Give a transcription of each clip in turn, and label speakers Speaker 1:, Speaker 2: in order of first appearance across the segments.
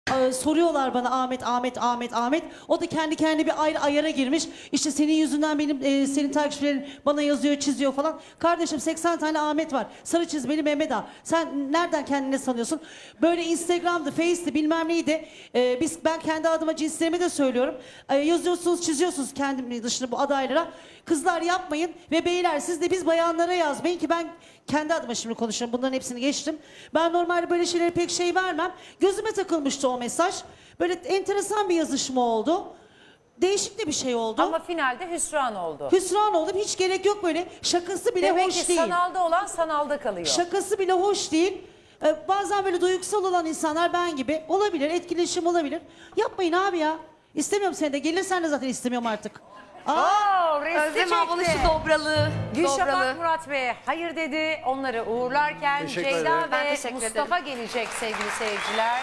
Speaker 1: Soruyorlar bana Ahmet. O da kendi kendine bir ayrı ayara girmiş. İşte senin yüzünden benim senin takipçilerin bana yazıyor, çiziyor falan. Kardeşim 80 tane Ahmet var. Sarı çizmeli Mehmet Ağa. Sen nereden kendine sanıyorsun? Böyle Instagram'dı, Face'ti bilmem neydi. Ben kendi adıma cinslerimi de söylüyorum. Yazıyorsunuz, çiziyorsunuz kendim dışında bu adaylara. Kızlar yapmayın ve beyler siz de biz bayanlara yazmayın ki ben kendi adıma şimdi konuşuyorum. Bunların hepsini geçtim. Ben normalde böyle şeylere pek şey vermem. Gözüme takılmıştı o mesaj. Böyle enteresan bir yazışma oldu. Değişik de bir şey oldu.
Speaker 2: Ama finalde hüsran oldu.
Speaker 1: Hüsran oldum. Hiç gerek yok böyle. Şakası bile
Speaker 2: Demek
Speaker 1: hoş
Speaker 2: ki
Speaker 1: değil.
Speaker 2: sanalda olan sanalda kalıyor.
Speaker 1: Şakası bile hoş değil. Bazen böyle duygusal olan insanlar ben gibi olabilir. Etkileşim olabilir. Yapmayın abi ya. İstemiyorum seni de. Gelirsen de zaten istemiyorum artık.
Speaker 2: Resti
Speaker 3: Özlem ablanın
Speaker 2: çekti.
Speaker 3: şu dobralığı.
Speaker 2: Gülşafak Murat Bey'e hayır dedi. Onları uğurlarken
Speaker 4: Teşekkür
Speaker 2: Ceyda
Speaker 4: ederim.
Speaker 3: Ben
Speaker 2: ve
Speaker 3: teşekkür
Speaker 2: Mustafa gelecek sevgili seyirciler.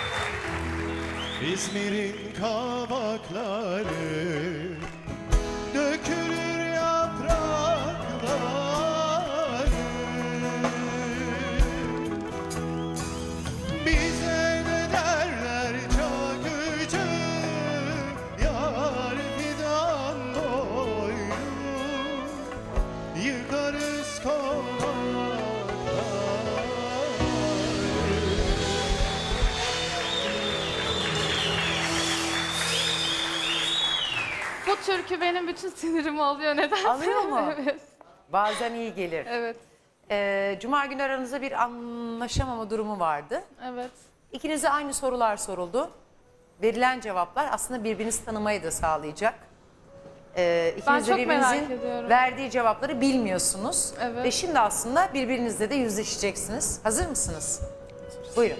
Speaker 4: İzmir'in kavakları dökülür yaprakları, bize ne derler çakıcı, yar fidan boynu, yıkarız kovakları.
Speaker 5: Bu türkü benim bütün sinirimi alıyor nedense.
Speaker 2: Alıyor mu?
Speaker 5: Evet.
Speaker 2: Bazen iyi gelir.
Speaker 5: Evet.
Speaker 2: Cuma günü aranızda bir anlaşamama durumu vardı.
Speaker 5: Evet.
Speaker 2: İkinize aynı sorular soruldu. Verilen cevaplar aslında birbirinizi tanımayı da sağlayacak. İkiniz de
Speaker 5: çok merak
Speaker 2: birbirinizin
Speaker 5: ediyorum.
Speaker 2: verdiği cevapları bilmiyorsunuz.
Speaker 5: Evet.
Speaker 2: Ve şimdi aslında birbirinizle de yüzleşeceksiniz. Hazır mısınız? Buyurun.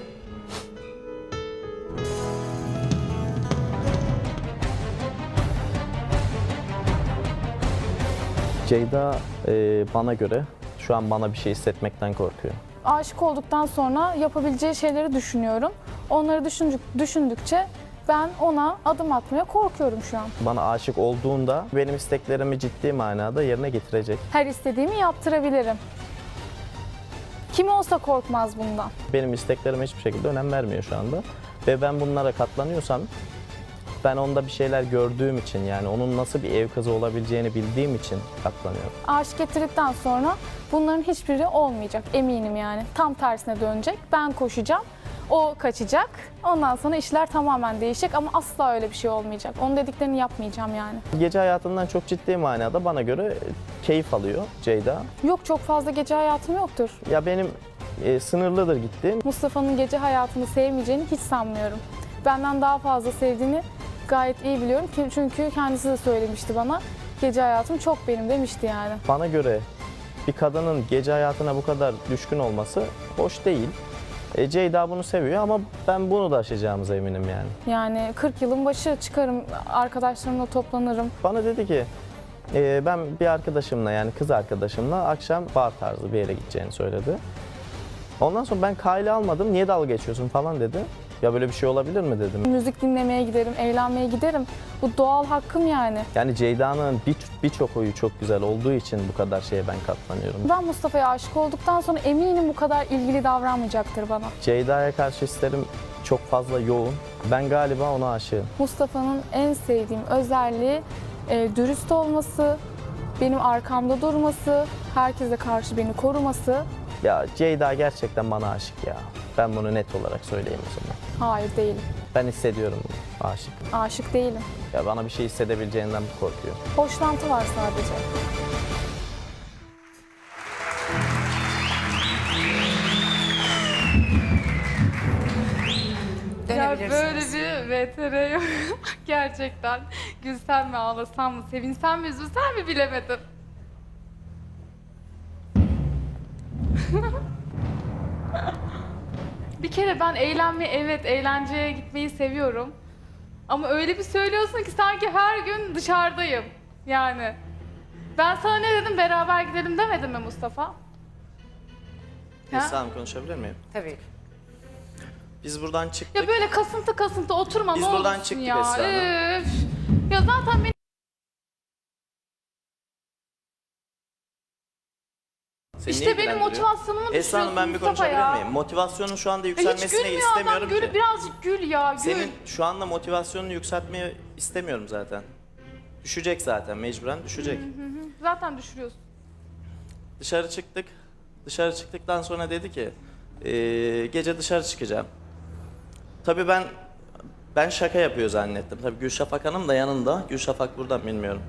Speaker 6: Ceyda bana göre şu an bana bir şey hissetmekten korkuyor.
Speaker 5: Aşık olduktan sonra yapabileceği şeyleri düşünüyorum. Onları düşündükçe ben ona adım atmaya korkuyorum şu an.
Speaker 6: Bana aşık olduğunda benim isteklerimi ciddi manada yerine getirecek.
Speaker 5: Her istediğimi yaptırabilirim. Kim olsa korkmaz bundan.
Speaker 6: Benim isteklerime hiçbir şekilde önem vermiyor şu anda. Ve ben bunlara katlanıyorsam ben onda bir şeyler gördüğüm için, yani onun nasıl bir ev kızı olabileceğini bildiğim için katlanıyorum.
Speaker 5: Aşık ettirdikten sonra bunların hiçbiri olmayacak eminim yani. Tam tersine dönecek. Ben koşacağım. O kaçacak. Ondan sonra işler tamamen değişecek ama asla öyle bir şey olmayacak. Onun dediklerini yapmayacağım yani.
Speaker 6: Gece hayatından çok ciddi manada bana göre keyif alıyor Ceyda.
Speaker 5: Yok, çok fazla gece hayatım yoktur.
Speaker 6: Ya benim sınırlıdır gittiğim.
Speaker 5: Mustafa'nın gece hayatını sevmeyeceğini hiç sanmıyorum. Benden daha fazla sevdiğini gayet iyi biliyorum. Çünkü kendisi de söylemişti bana. Gece hayatım çok benim demişti yani.
Speaker 6: Bana göre bir kadının gece hayatına bu kadar düşkün olması hoş değil. Ceyda bunu seviyor ama ben bunu da aşacağımıza eminim yani.
Speaker 5: Yani 40 yılın başı çıkarım, arkadaşlarımla toplanırım.
Speaker 6: Bana dedi ki ben bir arkadaşımla, yani kız arkadaşımla akşam bar tarzı bir yere gideceğini söyledi. Ondan sonra ben kale almadım, niye dalga geçiyorsun falan dedi. Ya böyle bir şey olabilir mi dedim.
Speaker 5: Müzik dinlemeye giderim, eğlenmeye giderim. Bu doğal hakkım yani.
Speaker 6: Yani Ceyda'nın birçok huyu çok güzel olduğu için bu kadar şeye ben katlanıyorum.
Speaker 5: Ben Mustafa'ya aşık olduktan sonra eminim bu kadar ilgili davranmayacaktır bana.
Speaker 6: Ceyda'ya karşı hislerim çok fazla yoğun. Ben galiba ona aşığım.
Speaker 5: Mustafa'nın en sevdiğim özelliği dürüst olması, benim arkamda durması, herkese karşı beni koruması.
Speaker 6: Ya Ceyda gerçekten bana aşık ya. Ben bunu net olarak söyleyeyim o zaman.
Speaker 5: Hayır değilim.
Speaker 6: Ben hissediyorum bunu, aşık.
Speaker 5: Aşık değilim.
Speaker 6: Ya bana bir şey hissedebileceğinden korkuyor.
Speaker 5: Hoşlantı var sadece.
Speaker 3: Ya böyle
Speaker 2: Dönebilirsiniz.
Speaker 3: bir VTR yok. Gerçekten gülsem mi ağlasam mı sevinsem mi üzülsem mi bilemedim. Bir kere ben eğlenmeyi, evet eğlenceye gitmeyi seviyorum. Ama öyle bir söylüyorsun ki sanki her gün dışarıdayım. Yani. Ben sana ne dedim, beraber gidelim demedim mi Mustafa? Ha?
Speaker 6: Esra Hanım, konuşabilir miyim?
Speaker 2: Tabii.
Speaker 6: Biz buradan çıktık.
Speaker 3: Ya böyle kasıntı oturma
Speaker 6: Biz
Speaker 3: ne
Speaker 6: buradan
Speaker 3: olursun
Speaker 6: çıktık
Speaker 3: ya.
Speaker 6: Esra Hanım.
Speaker 3: Üf. Ya zaten beni
Speaker 6: Seni
Speaker 3: İşte
Speaker 6: niye
Speaker 3: benim
Speaker 6: ilgilendiriyor?
Speaker 3: motivasyonumu
Speaker 6: Esra Hanım, ben bir
Speaker 3: Mustafa
Speaker 6: konuşabilir
Speaker 3: ya.
Speaker 6: miyim? Motivasyonun şu anda
Speaker 3: Hiç
Speaker 6: yükselmesini
Speaker 3: gülmüyor adam.
Speaker 6: istemiyorum ki.
Speaker 3: Gül, birazcık gül ya, gül.
Speaker 6: Senin şu anda motivasyonunu yükseltmeyi istemiyorum zaten. Düşecek zaten, mecburen düşecek.
Speaker 3: Zaten düşürüyorsun.
Speaker 6: Dışarı çıktık. Dışarı çıktıktan sonra dedi ki gece dışarı çıkacağım. Tabii ben şaka yapıyor zannettim. Tabii Gülşafak Hanım da yanında. Gülşafak buradan bilmiyorum.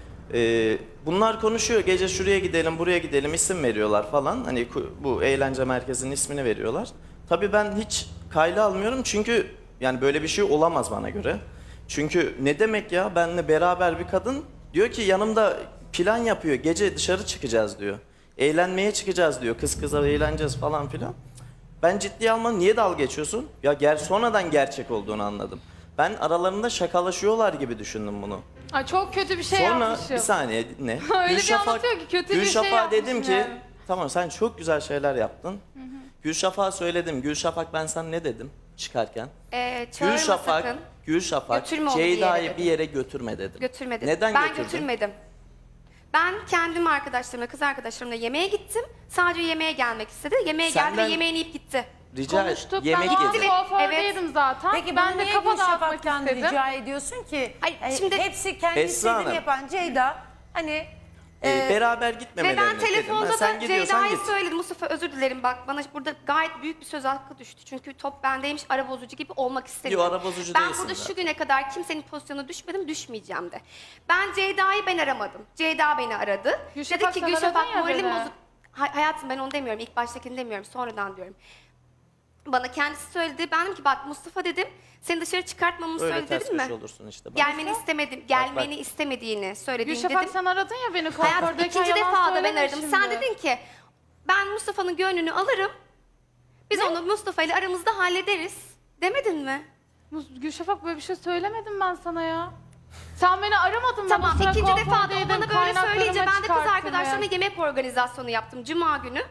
Speaker 6: Bunlar konuşuyor. Gece şuraya gidelim, buraya gidelim, isim veriyorlar falan. Hani bu eğlence merkezinin ismini veriyorlar. Tabii ben hiç kayda almıyorum çünkü yani böyle bir şey olamaz bana göre. Çünkü ne demek ya, benimle beraber bir kadın diyor ki yanımda plan yapıyor. Gece dışarı çıkacağız diyor. Eğlenmeye çıkacağız diyor. Kız kıza eğleneceğiz falan filan. Ben ciddiye almam. Niye dalga geçiyorsun? Ya sonradan gerçek olduğunu anladım. Ben aralarında şakalaşıyorlar gibi düşündüm bunu.
Speaker 3: Ay çok kötü bir şey
Speaker 6: Sonra
Speaker 3: yapmışım.
Speaker 6: bir saniye ne?
Speaker 3: Öyle bir anlatıyor ki kötü bir şey
Speaker 6: Gülşafak'a
Speaker 3: yapmışım
Speaker 6: dedim ki
Speaker 3: yani.
Speaker 6: tamam sen çok güzel şeyler yaptın. Gülşafak'a söyledim. Gülşafak, ben sana ne dedim çıkarken?
Speaker 7: Çağırma
Speaker 6: Gülşafak,
Speaker 7: sakın.
Speaker 6: Gülşafak
Speaker 7: Götürme onu bir yere
Speaker 6: Ceyda'yı
Speaker 7: dedim.
Speaker 6: bir yere götürme dedim.
Speaker 7: Götürmedim.
Speaker 6: Neden
Speaker 7: ben
Speaker 6: götürdün?
Speaker 7: götürmedim. Ben kendim arkadaşlarımla, kız arkadaşlarımla yemeğe gittim. Sadece yemeğe gelmek istedi. Yemeğe geldi
Speaker 6: Senden-
Speaker 7: ve yemeğini yiyip gitti.
Speaker 6: Rica et.
Speaker 3: Konuştuk.
Speaker 6: Yemek
Speaker 3: ben o an
Speaker 6: yedi.
Speaker 3: kuafördeydim zaten.
Speaker 2: Peki
Speaker 3: ben
Speaker 2: bunu
Speaker 3: de
Speaker 2: niye
Speaker 3: kafa dağıtmak
Speaker 2: Gülşafak'tan
Speaker 3: istedim.
Speaker 2: rica ediyorsun ki?
Speaker 7: Ay, şimdi-
Speaker 2: hepsi kendi
Speaker 6: Esra
Speaker 2: istediğini
Speaker 6: Hanım.
Speaker 2: yapan Ceyda hani
Speaker 6: Beraber
Speaker 7: Ve
Speaker 6: gitmemelerini
Speaker 7: ben
Speaker 6: dedim.
Speaker 7: telefonda
Speaker 6: Sen
Speaker 7: da
Speaker 6: gidiyorsan
Speaker 7: Ceyda'ya
Speaker 6: git.
Speaker 7: söyledim. Mustafa özür dilerim bak, bana burada gayet büyük bir söz hakkı düştü. Çünkü top bendeymiş, ara bozucu gibi olmak istemiyorum.
Speaker 6: Yo, ara bozucu
Speaker 7: ben
Speaker 6: değilsin
Speaker 7: burada
Speaker 6: zaten.
Speaker 7: şu güne kadar kimsenin pozisyonuna düşmedim, düşmeyeceğim de. Ben Ceyda'yı aramadım. Ceyda beni aradı.
Speaker 3: Gülşafak,
Speaker 7: Dedi ki
Speaker 3: sen
Speaker 7: Gülşafak
Speaker 3: aradın ya
Speaker 7: moralim
Speaker 3: dedi.
Speaker 7: bozuk. Hayatım, ben onu demiyorum. İlk baştakini demiyorum. Sonradan diyorum. Bana kendisi söyledi. Ben dedim ki bak Mustafa dedim. Seni dışarı çıkartmamı
Speaker 6: Öyle
Speaker 7: söyledi
Speaker 6: ters
Speaker 7: dedim mi?
Speaker 6: köşe olursun işte. Bak.
Speaker 7: Gelmeni istemedim. Gelmeni istemediğini söylediğini
Speaker 3: Gülşafak
Speaker 7: dedim.
Speaker 3: sen aradın ya beni
Speaker 7: Hayatım,
Speaker 3: kuafördeyken,
Speaker 7: ikinci
Speaker 3: yalan
Speaker 7: defa da ben
Speaker 3: söyleme
Speaker 7: aradım.
Speaker 3: şimdi.
Speaker 7: Sen dedin ki ben Mustafa'nın gönlünü alırım. Biz onu Mustafa ile aramızda hallederiz. Demedin mi?
Speaker 3: Gülşafak böyle bir şey söylemedim ben sana ya. Sen beni aramadın mı?
Speaker 7: Tamam,
Speaker 3: O sıra
Speaker 7: ikinci defa da o
Speaker 3: kuafördeydim,
Speaker 7: bana böyle
Speaker 3: kaynaklarıma
Speaker 7: söyleyince ben de kız
Speaker 3: çıkarttım
Speaker 7: arkadaşlarımla
Speaker 3: ya.
Speaker 7: yemek organizasyonu yaptım Cuma günü.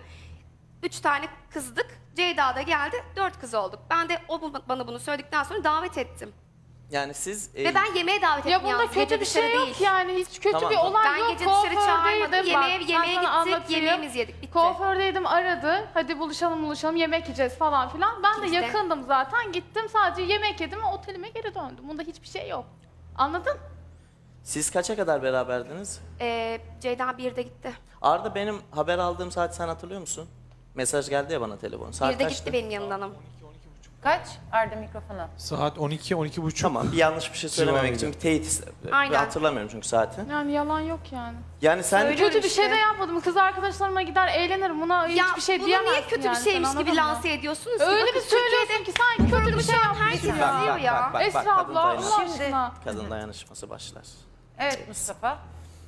Speaker 7: 3 tane kızdık. Ceyda da geldi. 4 kız olduk. Ben de bana bunu söyledikten sonra davet ettim.
Speaker 6: Yani siz
Speaker 7: Ve ben yemeğe davet ettim
Speaker 3: Ya bunda
Speaker 7: yalnız,
Speaker 3: kötü
Speaker 7: gece
Speaker 3: bir
Speaker 7: dışarı
Speaker 3: şey
Speaker 7: değil.
Speaker 3: yok yani. Hiç kötü
Speaker 6: Tamam,
Speaker 3: bir
Speaker 6: tamam.
Speaker 3: olay
Speaker 7: Ben
Speaker 3: yok.
Speaker 7: gece dışarı çağırmadım.
Speaker 3: Kuafördeydim
Speaker 7: Yemeğe
Speaker 3: bak.
Speaker 7: gittik,
Speaker 3: Ben sana anlatayım.
Speaker 7: yemeğimizi yedik, bitti.
Speaker 3: Kuafördeydim, aradı. Hadi buluşalım, yemek yiyeceğiz falan filan. Ben de
Speaker 7: İşte.
Speaker 3: yakındım zaten. Gittim, sadece yemek yedim ve otelime geri döndüm. Bunda hiçbir şey yok. Anladın?
Speaker 6: Siz kaça kadar beraberdiniz?
Speaker 7: Ceyda 1'de gitti.
Speaker 6: Arda, benim haber aldığım saat sen hatırlıyor musun? Mesaj geldi ya bana telefon. Saat
Speaker 7: 1'de
Speaker 6: kaçtı?
Speaker 7: gitti benim yanımdan ama.
Speaker 2: kaç? Arda mikrofona.
Speaker 8: Saat 12-12.30.
Speaker 6: Tamam, bir yanlış bir şey söylememek
Speaker 8: Civarıydı.
Speaker 6: için bir teyit istedim.
Speaker 7: Aynen.
Speaker 6: Hatırlamıyorum çünkü saati.
Speaker 3: Yani yalan yok yani.
Speaker 6: Yani sen
Speaker 7: Söylüyorum
Speaker 3: Kötü bir şey
Speaker 7: işte.
Speaker 3: de yapmadım. Kız arkadaşlarıma gider eğlenirim. Buna hiçbir şey
Speaker 7: bunu
Speaker 3: diyemezsin
Speaker 7: niye kötü
Speaker 3: yani.
Speaker 7: bir şeymiş
Speaker 3: Sen
Speaker 7: gibi
Speaker 3: anladın mı?
Speaker 7: lanse ediyorsunuz ki?
Speaker 3: Öyle
Speaker 7: Bakın
Speaker 3: bir söylüyorsun ki sanki kötü bir şey yapmışsın
Speaker 7: herkes
Speaker 3: ya.
Speaker 7: izliyor ya.
Speaker 6: bak,
Speaker 3: Esra
Speaker 6: kadın
Speaker 3: abla
Speaker 6: dayanışması.
Speaker 3: Allah
Speaker 2: Şimdi-
Speaker 3: aşkına.
Speaker 6: Kadın dayanışması başlar.
Speaker 2: Evet Mustafa.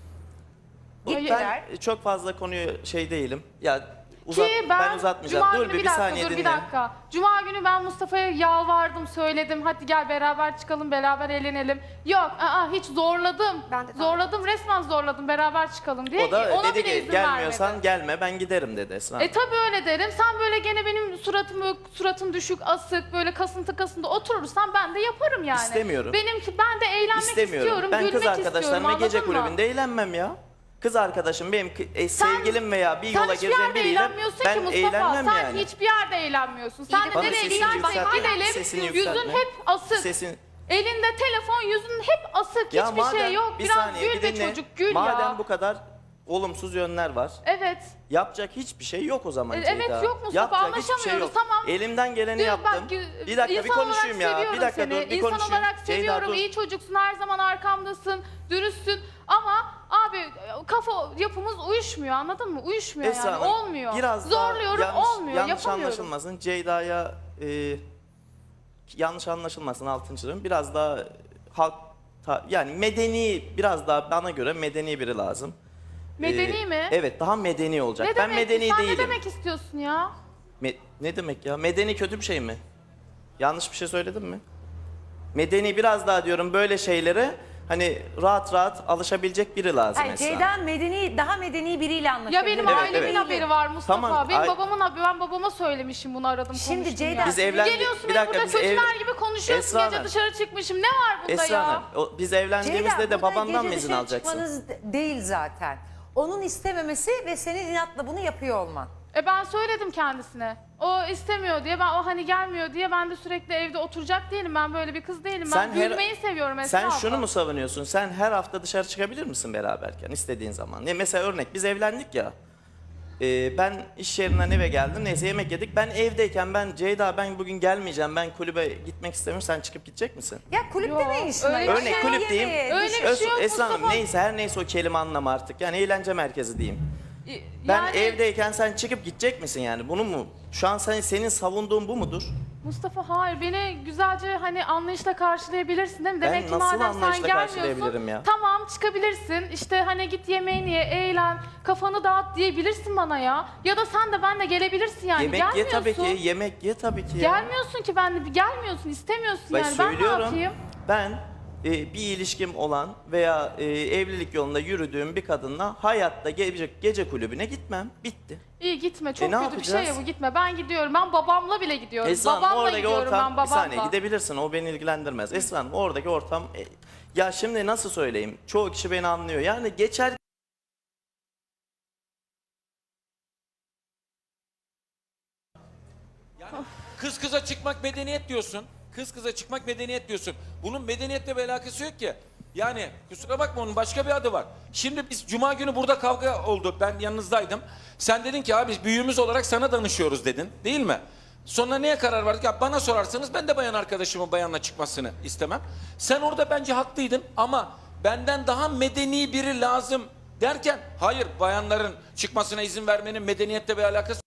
Speaker 6: Ben çok fazla konuyu şey değilim. Ya
Speaker 3: Ki ben
Speaker 6: uzatmayacağım.
Speaker 3: Cuma
Speaker 6: Dur
Speaker 3: günü
Speaker 6: bir
Speaker 3: dakika,
Speaker 6: saniye
Speaker 3: dur
Speaker 6: dinle.
Speaker 3: bir dakika. Cuma günü ben Mustafa'ya yalvardım, söyledim. Hadi gel beraber çıkalım, beraber eğlenelim. Yok, hiç zorladım.
Speaker 7: Ben de
Speaker 3: zorladım, resmen zorladım beraber çıkalım diye.
Speaker 6: O da
Speaker 3: Ona
Speaker 6: dedi
Speaker 3: bile
Speaker 6: ki
Speaker 3: izin
Speaker 6: gelmiyorsan
Speaker 3: vermedi.
Speaker 6: gelme, ben giderim dedi Esra Hanım.
Speaker 3: Tabii öyle derim. Sen böyle gene benim suratım düşük, asık, böyle kasıntı oturursan ben de yaparım yani.
Speaker 6: İstemiyorum.
Speaker 3: Ben de eğlenmek
Speaker 6: İstemiyorum.
Speaker 3: istiyorum,
Speaker 6: Ben
Speaker 3: gülmek
Speaker 6: kız
Speaker 3: istiyorum.
Speaker 6: arkadaşlarımla gece
Speaker 3: anladın mı?
Speaker 6: kulübünde eğlenmem ya. Kız arkadaşım benim sevgilim veya bir yola
Speaker 3: Sen hiçbir
Speaker 6: gireceğim
Speaker 3: yerde
Speaker 6: biriyle
Speaker 3: eğlenmiyorsun
Speaker 6: ben
Speaker 3: ki Mustafa.
Speaker 6: eğlenmem
Speaker 3: Sen
Speaker 6: yani.
Speaker 3: hiçbir yerde eğlenmiyorsun. Sen de
Speaker 6: Bana
Speaker 3: nereye
Speaker 6: sesini
Speaker 3: gidersek
Speaker 6: yükseltme, sesini
Speaker 3: gidelim.
Speaker 6: yükseltme.
Speaker 3: Yüzün hep asık.
Speaker 6: Sesin...
Speaker 3: Elinde telefon, yüzün hep asık.
Speaker 6: Ya
Speaker 3: Hiçbir şey yok.
Speaker 6: bir
Speaker 3: Biraz
Speaker 6: saniye,
Speaker 3: gül
Speaker 6: bir
Speaker 3: be
Speaker 6: dinle.
Speaker 3: çocuk, gül
Speaker 6: Madem
Speaker 3: ya.
Speaker 6: bu kadar olumsuz yönler var.
Speaker 3: Evet.
Speaker 6: Yapacak hiçbir şey yok o zaman
Speaker 3: Evet,
Speaker 6: Ceyda.
Speaker 3: yok Mustafa,
Speaker 6: Yapacak hiçbir şey
Speaker 3: anlaşamıyoruz,
Speaker 6: yok.
Speaker 3: tamam.
Speaker 6: Elimden geleni
Speaker 3: Diyor,
Speaker 6: yaptım.
Speaker 3: bak,
Speaker 6: Bir dakika bir
Speaker 3: insan
Speaker 6: konuşayım
Speaker 3: olarak
Speaker 6: ya.
Speaker 3: seviyorum
Speaker 6: Bir dakika
Speaker 3: seni.
Speaker 6: dur bir
Speaker 3: İnsan
Speaker 6: konuşayım.
Speaker 3: olarak seviyorum.
Speaker 6: dur.
Speaker 3: İyi çocuksun, her zaman arkamdasın, dürüstsün. Ama abi kafa yapımız uyuşmuyor, anladın mı? Uyuşmuyor
Speaker 6: Esra
Speaker 3: yani,
Speaker 6: Hanım,
Speaker 3: olmuyor.
Speaker 6: biraz daha
Speaker 3: Zorluyorum, olmuyor,
Speaker 6: yanlış
Speaker 3: yapamıyorum.
Speaker 6: anlaşılmasın. Ceyda'ya yanlış anlaşılmasın, altın çiziyorum. Biraz daha yani medeni, biraz daha bana göre medeni biri lazım.
Speaker 3: Medeni mi?
Speaker 6: Evet, daha medeni olacak.
Speaker 3: Ne
Speaker 6: Ben
Speaker 3: demek?
Speaker 6: medeni
Speaker 3: Sen
Speaker 6: değilim.
Speaker 3: ne demek istiyorsun ya?
Speaker 6: Ne demek ya? Medeni kötü bir şey mi? Yanlış bir şey söyledim mi? Medeni biraz daha diyorum böyle şeylere hani rahat rahat alışabilecek biri lazım
Speaker 2: Hayır,
Speaker 6: Esra.
Speaker 2: Ceyda daha medeni biriyle anlaşıyor.
Speaker 3: Ya benim
Speaker 6: Evet,
Speaker 3: ailemin
Speaker 6: evet.
Speaker 3: haberi var Mustafa.
Speaker 6: Tamam,
Speaker 3: Benim babamın haberi. Ben babama söylemişim bunu, aradım
Speaker 2: Şimdi
Speaker 3: konuştum
Speaker 2: Ceyda,
Speaker 3: ya.
Speaker 6: Biz evlendik.
Speaker 3: Geliyorsun
Speaker 6: Bir
Speaker 3: benim
Speaker 6: dakika,
Speaker 3: burada
Speaker 6: biz
Speaker 3: kötüler gibi konuşuyorsun.
Speaker 6: Esra
Speaker 3: Gece
Speaker 6: Hanım.
Speaker 3: dışarı çıkmışım. Ne var bunda
Speaker 6: Esra
Speaker 3: ya?
Speaker 6: Hanım, biz evlendiğimizde de
Speaker 2: burada
Speaker 6: babandan mı
Speaker 2: gece
Speaker 6: izin
Speaker 2: dışarı
Speaker 6: alacaksın?
Speaker 2: çıkmanız değil zaten. onun istememesi ve senin inatla bunu yapıyor olman.
Speaker 3: Ben söyledim kendisine. O istemiyor diye, o hani gelmiyor diye ben de sürekli evde oturacak değilim. Ben böyle bir kız değilim. Ben gülmeyi seviyorum Esra
Speaker 6: Sen
Speaker 3: abla.
Speaker 6: şunu mu savunuyorsun? Sen her hafta dışarı çıkabilir misin beraberken istediğin zaman? Mesela örnek biz evlendik ya. Ben iş yerinden eve geldim. Neyse yemek yedik. Ben evdeyken Ceyda ben bugün gelmeyeceğim. Ben kulübe gitmek istemiyorum. Sen çıkıp gidecek misin?
Speaker 2: Ya kulüpte
Speaker 3: Yok,
Speaker 2: ne işin
Speaker 3: öyle
Speaker 2: var?
Speaker 3: bir
Speaker 2: Ya?
Speaker 6: Örnek
Speaker 3: şey
Speaker 6: kulüp
Speaker 2: Yemeğe,
Speaker 6: diyeyim.
Speaker 3: Öyle bir şey yok
Speaker 6: Esra Hanım
Speaker 3: Mustafa.
Speaker 6: neyse her neyse o kelime anlamı artık. Yani eğlence merkezi diyeyim. Ben
Speaker 3: Yani
Speaker 6: evdeyken sen çıkıp gidecek misin yani? Bunu mu? Şu an senin savunduğun bu mudur?
Speaker 3: Mustafa hayır, beni güzelce hani anlayışla karşılayabilirsin değil mi?
Speaker 6: Ben
Speaker 3: Demek ki
Speaker 6: nasıl
Speaker 3: madem sen
Speaker 6: anlayışla
Speaker 3: gelmiyorsun,
Speaker 6: karşılayabilirim ya?
Speaker 3: tamam çıkabilirsin. İşte hani git yemeğini ye, eğlen, kafanı dağıt diyebilirsin bana ya. Ya da sen de benle gelebilirsin yani.
Speaker 6: Yemek ye
Speaker 3: Gelmiyorsun.
Speaker 6: tabii ki. Yemek ye tabii ki ya.
Speaker 3: Gelmiyorsun ki ben de, gelmiyorsun, istemiyorsun
Speaker 6: Ben
Speaker 3: yani. Ben ne
Speaker 6: söylüyorum.
Speaker 3: yapayım?
Speaker 6: Ben bir ilişkim olan veya evlilik yolunda yürüdüğüm bir kadınla hayatta gece kulübüne gitmem. Bitti.
Speaker 3: İyi gitme, çok
Speaker 6: ne
Speaker 3: kötü bir şey ya
Speaker 6: yapacağız?
Speaker 3: bu, gitme. Ben gidiyorum, ben babamla bile gidiyorum.
Speaker 6: Esra Hanım,
Speaker 3: Babamla
Speaker 6: oradaki
Speaker 3: gidiyorum
Speaker 6: ortam,
Speaker 3: ben babamla.
Speaker 6: bir saniye gidebilirsin o beni ilgilendirmez. Esra Hanım, oradaki ortam, ya şimdi nasıl söyleyeyim, çoğu kişi beni anlıyor. Yani geçer
Speaker 8: Kız kıza çıkmak medeniyet diyorsun. Kız kıza çıkmak medeniyet diyorsun. Bunun medeniyetle bir alakası yok ki. Yani kusura bakma onun başka bir adı var. Şimdi biz cuma günü burada kavga oldu. Ben yanınızdaydım. Sen dedin ki abi büyüğümüz olarak sana danışıyoruz dedin. Değil mi? Sonra neye karar verdik? Ya bana sorarsanız ben de bayan arkadaşımın bayanla çıkmasını istemem. Sen orada bence haklıydın ama benden daha medeni biri lazım derken hayır bayanların çıkmasına izin vermenin medeniyetle bir alakası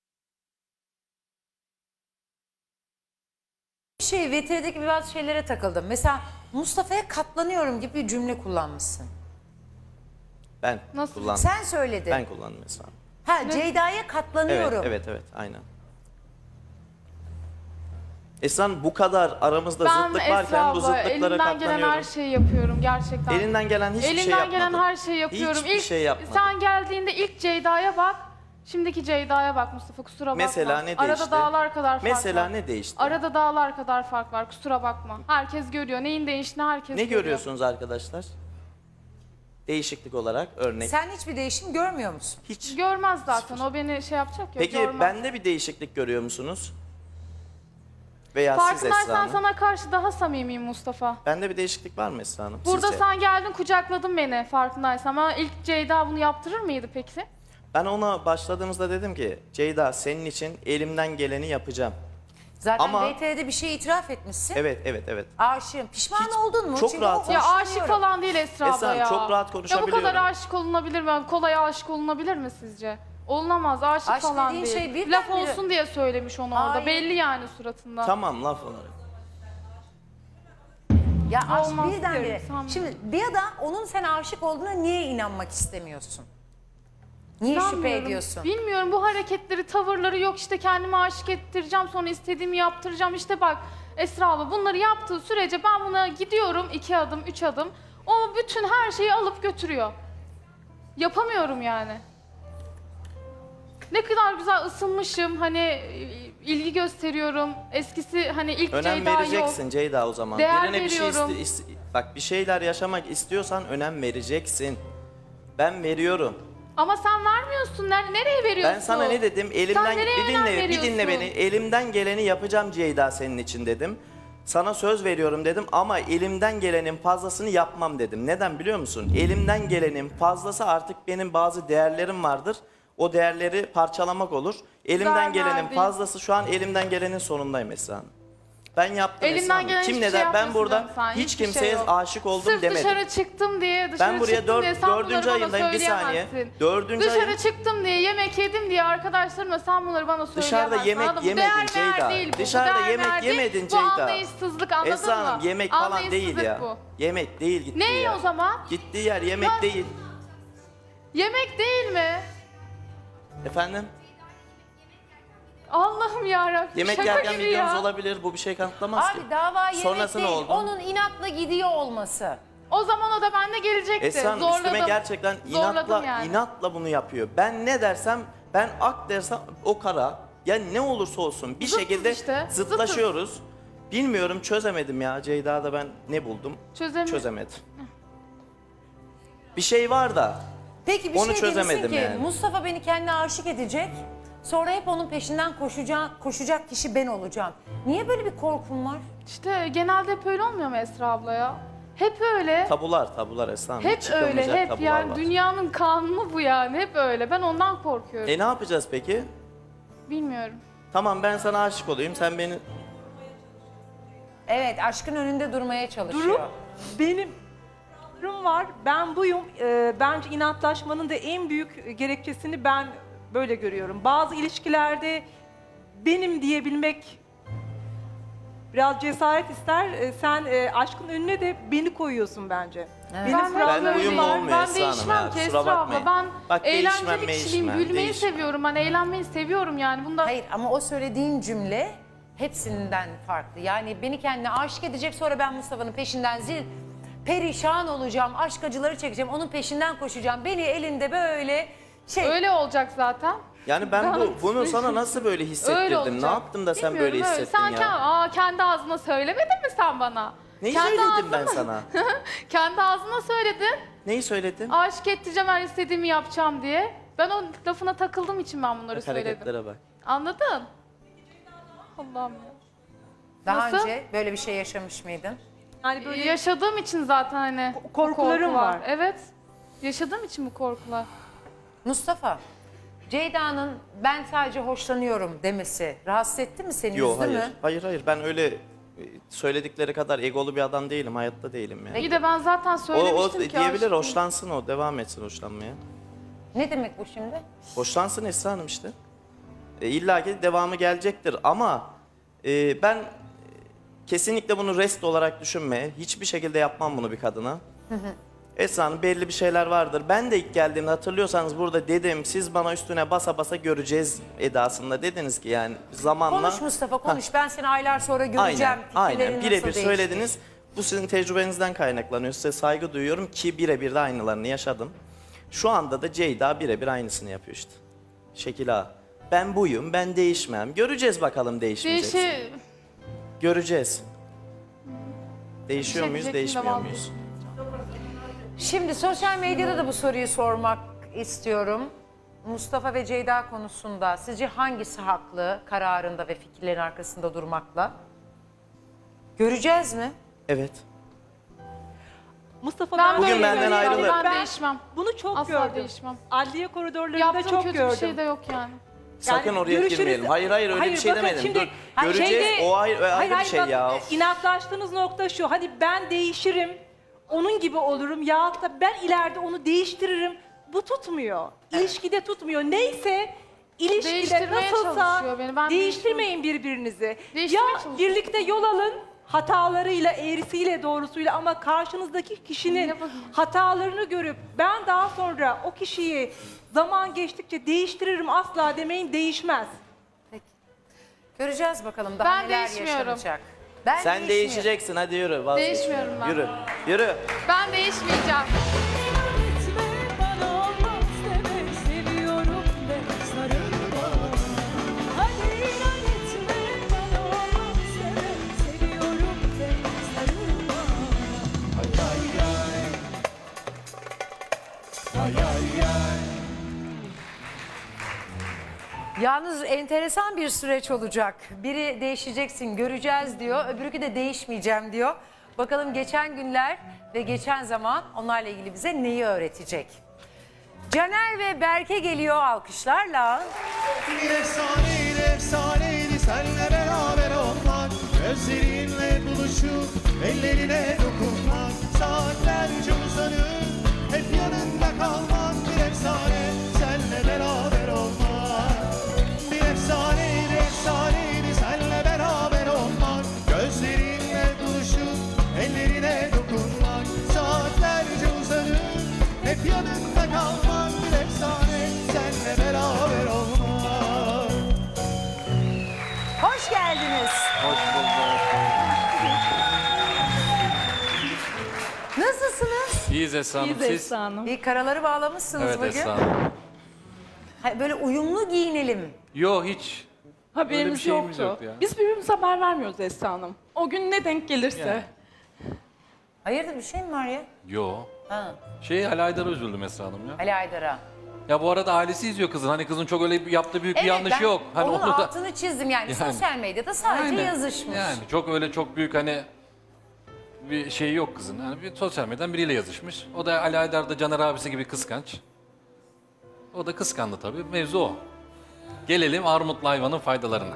Speaker 2: VTR'deki bazı şeylere takıldım. Mesela Mustafa'ya katlanıyorum gibi bir cümle kullanmışsın.
Speaker 6: ben
Speaker 3: Nasıl?
Speaker 6: kullandım.
Speaker 2: Sen söyledin.
Speaker 6: Ben kullandım Esra Hanım.
Speaker 2: Ha Ceyda'ya katlanıyorum.
Speaker 6: Evet, aynen. Esra Hanım, bu kadar aramızda
Speaker 3: Ben
Speaker 6: zıtlık
Speaker 3: Esra
Speaker 6: varken bu
Speaker 3: abla,
Speaker 6: zıtlıklara
Speaker 3: elimden gelen
Speaker 6: katlanıyorum.
Speaker 3: her şeyi yapıyorum gerçekten.
Speaker 6: Elinden gelen hiçbir şey
Speaker 3: Elimden
Speaker 6: yapmadın.
Speaker 3: gelen her şeyi yapıyorum.
Speaker 6: Hiçbir şey yapmadın.
Speaker 3: Sen geldiğinde ilk Ceyda'ya bak. Şimdiki Ceyda'ya bak Mustafa, kusura bakma.
Speaker 6: Mesela ne
Speaker 3: Arada
Speaker 6: değişti?
Speaker 3: dağlar kadar fark var.
Speaker 6: Mesela ne değişti?
Speaker 3: Arada dağlar kadar fark var, kusura bakma. Herkes görüyor. Neyin değiştiğini herkes
Speaker 6: Ne
Speaker 3: görüyor.
Speaker 6: görüyorsunuz arkadaşlar? Değişiklik olarak örnek.
Speaker 2: Sen hiçbir değişim görmüyor musun?
Speaker 6: Hiç.
Speaker 3: Görmez zaten. O beni şey yapacak ya.
Speaker 6: Peki
Speaker 3: görmez.
Speaker 6: bende bir değişiklik görüyor musunuz? Veya siz Esra
Speaker 3: Farkındaysan
Speaker 6: Hanım.
Speaker 3: sana karşı daha samimiyim Mustafa.
Speaker 6: Bende bir değişiklik var mı Esra Hanım?
Speaker 3: Burada
Speaker 6: sizce?
Speaker 3: sen geldin kucakladın beni farkındaysan. Ama ilk Ceyda bunu yaptırır mıydı peki?
Speaker 6: Ben ona başladığımızda dedim ki Ceyda senin için elimden geleni yapacağım.
Speaker 2: Zaten
Speaker 6: Ama-
Speaker 2: VTR'de bir şey itiraf etmişsin.
Speaker 6: Evet.
Speaker 2: Aşığım. Pişman
Speaker 6: Hiç-
Speaker 2: oldun mu?
Speaker 6: çok
Speaker 2: Çünkü
Speaker 6: rahatım.
Speaker 2: o
Speaker 3: Ya aşık
Speaker 2: hoşlanıyorum.
Speaker 3: falan değil Esra
Speaker 6: Esra
Speaker 3: abla
Speaker 6: Hanım,
Speaker 3: ya.
Speaker 6: çok rahat
Speaker 3: Ya bu
Speaker 6: konuşabiliyorum.
Speaker 3: kadar aşık olunabilir mi? Kolay aşık olunabilir mi sizce? Olunamaz. Aşık
Speaker 2: Aşk
Speaker 3: falan
Speaker 2: dediğin
Speaker 3: değil.
Speaker 2: şey birden
Speaker 3: Laf
Speaker 2: bire-
Speaker 3: olsun diye söylemiş onu orada.
Speaker 2: Hayır.
Speaker 3: Belli yani suratında.
Speaker 6: Tamam laf olarak.
Speaker 2: Ya aşk
Speaker 3: Olmaz
Speaker 2: birdenbire.
Speaker 3: diyorum, sanmıyorum.
Speaker 2: Şimdi bir da onun sen aşık olduğuna niye inanmak istemiyorsun? Niye şüphe
Speaker 3: İnanmıyorum.
Speaker 2: ediyorsun?
Speaker 3: Bilmiyorum, bu hareketleri, tavırları yok işte kendimi aşık ettireceğim sonra istediğimi yaptıracağım. İşte bak Esra abla bunları yaptığı sürece ben buna gidiyorum 2 adım 3 adım. O bütün her şeyi alıp götürüyor. Yapamıyorum yani. Ne kadar güzel ısınmışım hani ilgi gösteriyorum. Eskisi hani ilk
Speaker 6: Önem
Speaker 3: Ceyda yok.
Speaker 6: vereceksin Ceyda o zaman.
Speaker 3: Değer
Speaker 6: Birine bir şey
Speaker 3: veriyorum.
Speaker 6: bak bir şeyler yaşamak istiyorsan önem vereceksin. Ben veriyorum.
Speaker 3: Ama sen vermiyorsun. Nereye veriyorsun?
Speaker 6: Ben sana ne dedim? Elimden
Speaker 3: nereye
Speaker 6: bir
Speaker 3: önem
Speaker 6: dinle, bir dinle
Speaker 3: veriyorsun?
Speaker 6: beni. Elimden geleni yapacağım Ceyda senin için dedim. Sana söz veriyorum dedim ama elimden gelenin fazlasını yapmam dedim. Neden biliyor musun? Elimden gelenin fazlası artık benim bazı değerlerim vardır. O değerleri parçalamak olur. Elimden gelenin
Speaker 3: verdin.
Speaker 6: fazlası şu an elimden gelenin sonundayım Esra Hanım. Ben yaptım
Speaker 3: Elimden
Speaker 6: Esra Hanım.
Speaker 3: gelen
Speaker 6: Kim
Speaker 3: hiçbir
Speaker 6: ne
Speaker 3: şey
Speaker 6: der? Ben
Speaker 3: yapmıyorsun
Speaker 6: burada
Speaker 3: canım sen,
Speaker 6: hiç
Speaker 3: hiçbir
Speaker 6: kimseye
Speaker 3: şey yok.
Speaker 6: aşık oldum
Speaker 3: Sırf
Speaker 6: demedim.
Speaker 3: dışarı çıktım diye, dışarı
Speaker 6: Ben buraya
Speaker 3: çıktım diye sen bunları
Speaker 6: dördüncü
Speaker 3: bana
Speaker 6: ayındayım, bir saniye.
Speaker 3: söyleyemezsin.
Speaker 6: Dördüncü
Speaker 3: Dışarı
Speaker 6: ayım.
Speaker 3: çıktım diye, yemek yedim diye arkadaşlarımla sen bunları bana söyleyemezsin.
Speaker 6: Dışarıda yemek
Speaker 3: anladın mı?
Speaker 6: yemedin
Speaker 3: Değer
Speaker 6: Ceyda.
Speaker 3: değil bu,
Speaker 6: Dışarıda
Speaker 3: değer
Speaker 6: yemek
Speaker 3: değil.
Speaker 6: yemedin
Speaker 3: Bu
Speaker 6: Ceyda.
Speaker 3: anlayışsızlık, anladın
Speaker 6: Esra
Speaker 3: mı?
Speaker 6: Hanım yemek falan değil
Speaker 3: Anlayışsızlık
Speaker 6: ya.
Speaker 3: bu.
Speaker 6: Yemek değil gittiği
Speaker 3: Ne
Speaker 6: yer.
Speaker 3: o zaman?
Speaker 6: Gittiği yer yemek
Speaker 3: Ya-
Speaker 6: değil.
Speaker 3: Yemek değil mi?
Speaker 6: Efendim?
Speaker 3: Allah'ım yarabbim.
Speaker 6: Yemek
Speaker 3: şaka
Speaker 6: yerken
Speaker 3: gibi
Speaker 6: videonuz
Speaker 3: ya.
Speaker 6: olabilir. Bu bir şey kanıtlamaz ki.
Speaker 2: Abi dava yemek
Speaker 6: Sonrası ne
Speaker 2: değil.
Speaker 6: oldu?
Speaker 2: Onun inatla gidiyor olması.
Speaker 3: O zaman o da bende gelecekti.
Speaker 6: Esra Hanım
Speaker 3: Zorladım.
Speaker 6: üstüme gerçekten
Speaker 3: Zorladım yani.
Speaker 6: inatla bunu yapıyor. Ben ne dersem, ben ak dersem o kara. Ya ne olursa olsun bir
Speaker 3: Zıttız
Speaker 6: şekilde
Speaker 3: işte,
Speaker 6: zıtlaşıyoruz. Bilmiyorum çözemedim ya. Ceyda'da ben ne buldum?
Speaker 3: Çözemedim.
Speaker 6: Çözemedim. Bir şey var da
Speaker 2: Peki bir
Speaker 6: Onu
Speaker 2: şey demişsin
Speaker 6: çözemedim
Speaker 2: ki
Speaker 6: yani.
Speaker 2: Mustafa beni kendine aşık edecek. Sonra hep onun peşinden koşacak kişi ben olacağım. Niye böyle bir korkun var?
Speaker 3: İşte genelde hep öyle olmuyor mu Esra abla ya? Hep öyle.
Speaker 6: Tabular Esra Hanım.
Speaker 3: Hep
Speaker 6: Çıkılmayacak
Speaker 3: öyle, hep
Speaker 6: tabular
Speaker 3: yani
Speaker 6: var.
Speaker 3: dünyanın kanunu bu yani. Hep öyle. Ben ondan korkuyorum.
Speaker 6: Ne yapacağız peki?
Speaker 3: Bilmiyorum.
Speaker 6: Tamam ben sana aşık olayım, sen beni...
Speaker 2: Evet, aşkın önünde durmaya çalışıyor.
Speaker 9: Durum benim durum var. Ben buyum. Bence inatlaşmanın da en büyük gerekçesini ben böyle görüyorum. Bazı ilişkilerde benim diyebilmek biraz cesaret ister. Sen aşkın önüne de beni koyuyorsun bence. Benim
Speaker 3: Ben
Speaker 9: kurallarım
Speaker 6: Ben uyum
Speaker 9: var.
Speaker 6: olmuyor
Speaker 3: Ben
Speaker 6: Esra Hanım
Speaker 3: değişmem
Speaker 6: ya,
Speaker 3: ki
Speaker 6: kusura
Speaker 3: Esra abla.
Speaker 6: bakmayın.
Speaker 3: Ben
Speaker 6: Bak, değişmem,
Speaker 3: eğlenceli kişiliğim,
Speaker 6: değişmem,
Speaker 3: gülmeyi
Speaker 6: değişmem.
Speaker 3: seviyorum. Ben eğlenmeyi seviyorum yani. Bunda
Speaker 2: Hayır ama o söylediğin cümle hepsinden farklı. Yani beni kendine aşık edecek, sonra ben Mustafa'nın peşinden perişan olacağım, aşk acıları çekeceğim, onun peşinden koşacağım. Beni elinde böyle
Speaker 3: öyle olacak zaten.
Speaker 6: Yani ben bunu sana nasıl böyle
Speaker 3: Öyle
Speaker 6: hissettirdim?
Speaker 3: olacak.
Speaker 6: Ne yaptım da sen
Speaker 3: Bilmiyorum,
Speaker 6: böyle
Speaker 3: öyle.
Speaker 6: hissettin
Speaker 3: Sen
Speaker 6: ya?
Speaker 3: kendi ağzına söylemedin mi sen bana?
Speaker 6: Neyi
Speaker 3: Kendi
Speaker 6: söyledim ben
Speaker 3: ağzına-
Speaker 6: sana?
Speaker 3: Kendi ağzına söyledin.
Speaker 6: Neyi söyledim?
Speaker 3: Aşık edeceğim, her istediğimi yapacağım diye. Ben o lafına takıldığım için ben bunları
Speaker 6: Bak,
Speaker 3: söyledim.
Speaker 6: hareketlere bak.
Speaker 3: Anladın? Allah'ım ya.
Speaker 2: daha
Speaker 3: Nasıl?
Speaker 2: önce böyle bir şey yaşamış mıydın?
Speaker 9: Yani böyle
Speaker 3: Yaşadığım için zaten hani bu
Speaker 9: korkularım
Speaker 3: korku
Speaker 9: var.
Speaker 3: Evet. Yaşadığım için bu korkular.
Speaker 2: Mustafa, Ceyda'nın ben sadece hoşlanıyorum demesi rahatsız etti mi seni,
Speaker 6: Yok
Speaker 2: üzdü
Speaker 6: hayır.
Speaker 2: mü?
Speaker 6: Hayır ben öyle söyledikleri kadar egolu bir adam değilim. Hayatta değilim yani.
Speaker 3: İyi de ben zaten
Speaker 6: O
Speaker 3: söylemiştim ki
Speaker 6: diyebilir,
Speaker 3: aşkım.
Speaker 6: hoşlansın o. Devam etsin hoşlanmaya.
Speaker 2: Ne demek bu şimdi?
Speaker 6: Hoşlansın Esra Hanım işte. İlla ki devamı gelecektir ama ben kesinlikle bunu rest olarak düşünme. Hiçbir şekilde yapmam bunu bir kadına. Esra Hanım belli bir şeyler vardır. Ben de ilk geldiğimde hatırlıyorsanız burada dedim, siz bana üstüne basa basa göreceğiz edasında dediniz ki yani zamanla...
Speaker 2: Konuş Mustafa, konuş. Ben seni aylar sonra göreceğim.
Speaker 6: Aynen
Speaker 2: Fikirlerin nasıl
Speaker 6: birebir
Speaker 2: değişti?
Speaker 6: söylediniz. Bu sizin tecrübenizden kaynaklanıyor. Size saygı duyuyorum ki birebir de aynılarını yaşadım. Şu anda da Ceyda birebir aynısını yapıyor işte. Şekil A. Ben buyum, ben değişmem. Göreceğiz bakalım değişmeyeceksin. Göreceğiz. Değişiyor
Speaker 3: Bir şey
Speaker 6: muyuz,
Speaker 3: diyecektim de
Speaker 6: değişmiyor
Speaker 3: vallahi.
Speaker 6: muyuz?
Speaker 2: Şimdi sosyal medyada da bu soruyu sormak istiyorum. Mustafa ve Ceyda konusunda sizce hangisi haklı kararında ve fikirlerin arkasında durmakla? Göreceğiz mi?
Speaker 6: Evet.
Speaker 9: Mustafa
Speaker 3: Ben
Speaker 6: Bugün
Speaker 3: böyle
Speaker 6: benden
Speaker 3: söylüyorum,
Speaker 6: ayrılır.
Speaker 3: Ben değişmem.
Speaker 9: bunu çok
Speaker 3: Asla
Speaker 9: gördüm.
Speaker 3: değişmem.
Speaker 9: Adliye koridorlarında
Speaker 3: Yaptığım
Speaker 9: çok
Speaker 3: kötü
Speaker 9: gördüm.
Speaker 3: bir şey de yok yani.
Speaker 6: Sakın
Speaker 9: Yani
Speaker 6: oraya
Speaker 9: görüşürüz.
Speaker 6: girmeyelim. Hayır öyle bir şey
Speaker 9: bakın
Speaker 6: demedim.
Speaker 9: şimdi-
Speaker 6: Dur.
Speaker 9: Hayır,
Speaker 6: Göreceğiz,
Speaker 9: şeyde-
Speaker 6: o ayrı bir şey
Speaker 9: bak,
Speaker 6: ya.
Speaker 9: inatlaştığınız nokta şu. Hadi ben değişirim, onun gibi olurum ya da ben ileride onu değiştiririm. Bu tutmuyor. İlişkide tutmuyor. Neyse ilişkide
Speaker 3: Değiştirmeye
Speaker 9: nasılsa
Speaker 3: çalışıyor beni. Ben
Speaker 9: değiştirmeyin birbirinizi. Ya
Speaker 3: Değiştirmeye çalışıyor.
Speaker 9: birlikte yol alın. Hatalarıyla, eğrisiyle, doğrusuyla ama karşınızdaki kişinin
Speaker 3: Ne bakayım?
Speaker 9: hatalarını görüp ben daha sonra o kişiyi zaman geçtikçe değiştiririm asla demeyin, değişmez.
Speaker 2: Göreceğiz bakalım daha
Speaker 3: Ben
Speaker 2: neler
Speaker 3: değişmiyorum.
Speaker 2: yaşanacak. Ben
Speaker 6: Sen
Speaker 2: değişmiyorum.
Speaker 6: değişeceksin hadi yürü. vazgeç.
Speaker 3: Değişmiyorum ben.
Speaker 6: Yürü. Yürü.
Speaker 3: Ben değişmeyeceğim.
Speaker 2: Yalnız enteresan bir süreç olacak. Biri değişeceksin, göreceğiz diyor. Öbürü de değişmeyeceğim diyor. Bakalım geçen günler ve geçen zaman onlarla ilgili bize neyi öğretecek? Caner ve Berke geliyor alkışlarla.
Speaker 4: Bir efsaneydi, efsaneydi senle beraber olmak. Gözlerinle buluşup ellerine dokunmak. Saatlerce uzanıp hep yanında kalmak. Bir efsane senle beraber olmak. Bir efsaneydi, efsaneydi senle beraber olmak. Gözlerinle buluşup ellerine dokunmak. Saatlerce uzanıp hep yanında kalmak. Bir efsane senle beraber olmak.
Speaker 2: Hoş geldiniz.
Speaker 6: Hoş bulduk.
Speaker 2: Nasılsınız?
Speaker 10: İyiyiz Esra Hanım. Siz?
Speaker 2: Bir karaları bağlamışsınız
Speaker 10: Evet
Speaker 2: bugün.
Speaker 10: Esra Hanım.
Speaker 2: Ha, böyle uyumlu giyinelim.
Speaker 10: Yok hiç. Öyle bir
Speaker 11: Haberimiz
Speaker 10: şeyimiz
Speaker 11: yoktu.
Speaker 10: yok ya.
Speaker 11: Biz birbirimize haber vermiyoruz Esra Hanım. O gün ne denk gelirse.
Speaker 10: Yani.
Speaker 2: Hayırdır bir şey mi var ya?
Speaker 10: Yok.
Speaker 2: Ha,
Speaker 10: Ali Aydar'a üzüldüm Esra Hanım ya.
Speaker 2: Ali Aydar'a.
Speaker 10: Ya bu arada ailesi izliyor kızın. Hani kızın çok öyle yaptığı büyük bir yanlış
Speaker 2: ben
Speaker 10: yok. Hani
Speaker 2: onun
Speaker 10: onu da
Speaker 2: altını çizdim yani. Sosyal medyada sadece
Speaker 10: Aynen.
Speaker 2: yazışmış.
Speaker 10: Yani çok büyük hani bir şey yok kızın. Yani bir sosyal medyadan biriyle yazışmış. O da Ali Aydar da Caner abisi gibi kıskanç. O da kıskandı tabii. Mevzu o. Gelelim armutlu hayvanın faydalarına.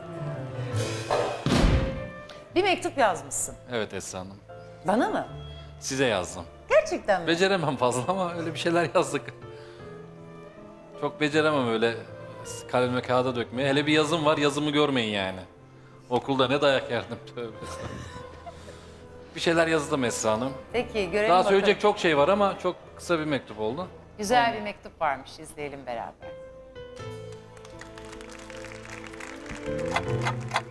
Speaker 2: Bir mektup yazmışsın.
Speaker 10: Evet Esra Hanım.
Speaker 2: Bana mı?
Speaker 10: Size yazdım.
Speaker 2: Gerçekten mi?
Speaker 10: Beceremem fazla ama öyle bir şeyler yazdık. Çok beceremem öyle kaleme kağıda dökmeye. Hele bir yazım var, yazımı görmeyin yani. Okulda ne dayak yerdim. Tövbe estağfurullah. Bir şeyler yazdım Esra Hanım.
Speaker 2: Peki görelim
Speaker 10: Daha
Speaker 2: bakalım.
Speaker 10: söyleyecek çok şey var ama çok kısa bir mektup oldu.
Speaker 2: Güzel bir mektup varmış. İzleyelim beraber.